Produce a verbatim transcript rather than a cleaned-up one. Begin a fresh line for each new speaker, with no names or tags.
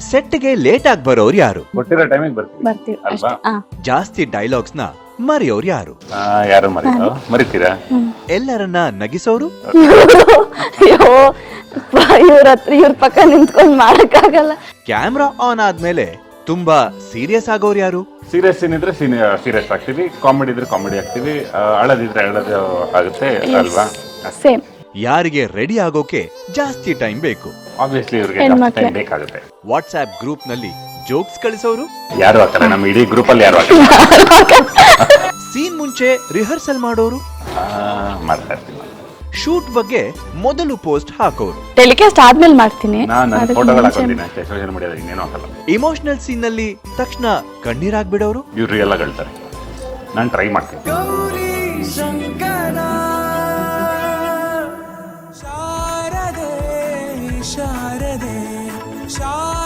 ಸೆಟ್ಗೆ late ಆಗಿ ಬರೋರು ಯಾರು?
ಕೊಟ್ಟಿರೋ ಟೈಮಿಗೆ ಬರ್ತೀವಿ
ಬರ್ತೀವಿ
ಅಲ್ವಾ?
ಅಷ್ಟೇ. ಆ.
ಜಾಸ್ತಿ ಡೈಲಾಗ್ಸ್ ನ ಮರೆಯೋರು ಯಾರು?
ಆ, ಯಾರು ಮರೀತಾರೋ ಮರಿತೀರಾ?
ಎಲ್ಲರನ್ನ ನಗಿಸೋರು?
ಅಯ್ಯೋ ಇವ್ರ ಹತ್ರ ಇವ್ರ ಪಕ್ಕ ನಿಂತ್ಕೊಂಡ್ ಮಾಡಕ್ಕಾಗಲ್ಲ.
ಕ್ಯಾಮ್ರಾ ಆನ್ ಆದ್ಮೇಲೆ ತುಂಬಾ ಸೀರಿಯಸ್ ಆಗೋರು ಯಾರು?
ಸೀರಿಯಸ್ ಸೀನ್ ಇದ್ರೆ ಸೀರಿಯಸ್ ಆಗ್ತೀವಿ, ಕಾಮಿಡಿ ಇದ್ರೆ ಕಾಮಿಡಿ ಆಗ್ತೀವಿ, ಆ, ಅಳದಿದ್ರೆ ಅಳದು ಆಗುತ್ತೆ ಅಲ್ವಾ?
ಸೇಮ್.
ಯಾರಿಗೆ ರೆಡಿ ಆಗೋಕೆ ಜಾಸ್ತಿ ಟೈಮ್ ಬೇಕು?
ಆಬ್ವಿಯಸ್ಲಿ ಇವ್ರಿಗೆ
ಹೆಣ್ಮಕ್ಳೇ.
ಟೈಮ್ ಬೇಕಾಗುತ್ತೆ.
ವಾಟ್ಸ್ಆಪ್ ಗ್ರೂಪ್ ನಲ್ಲಿ ಜೋಕ್ಸ್ ಕಳಿಸೋರು?
ಯಾರು ಹಾಕಲ್ಲ, ನಮ್ಮ ಇಡೀ ಗ್ರೂಪ್ ಅಲ್ಲಿ ಯಾರು ಹಾಕಲ್ಲ.
ಸೀನ್ ಮುಂಚೆ ರಿಹರ್ಸಲ್ ಮಾಡೋರು?
ಆ, ಮಾಡ್ತಾ ಇರ್ತೀನಿ.
ಶೂಟ್ ಬಗ್ಗೆ ಮೊದಲು ಪೋಸ್ಟ್ ಹಾಕೋರು?
ಟೆಲಿಕಾಸ್ಟ್ ಆದ್ಮೇಲೆ ಮಾಡ್ತೀನಿ.
ನಾನು ನನ್ನ
ಅದಕ್ಕೆ
ಫೋಟೋಗಳು
ಮುಂಚೆ-
ಹಾಕೊಂಡಿನಿ ಅಷ್ಟೇ, ಸೋಷಿಯಲ್ ಮೀಡಿಯಾದಲ್ಲಿ ಇನ್ನೇನು ಹಾಕಲ್ಲ.
ಇಮೋಷನಲ್ ಸೀನ್ ನಲ್ಲಿ ತಕ್ಷಣ ಕಣ್ಣೀರಾಗ್ಬಿಡೋರು?
ಇವ್ರು ರಿಯಲ್ ಆಗಿ ಹೇಳ್ತಾರೆ, ನಾನು ಟ್ರೈ ಮಾಡ್ತೀನಿ.
ಶಾರದೆ ಶಾರದೆ ಶಾ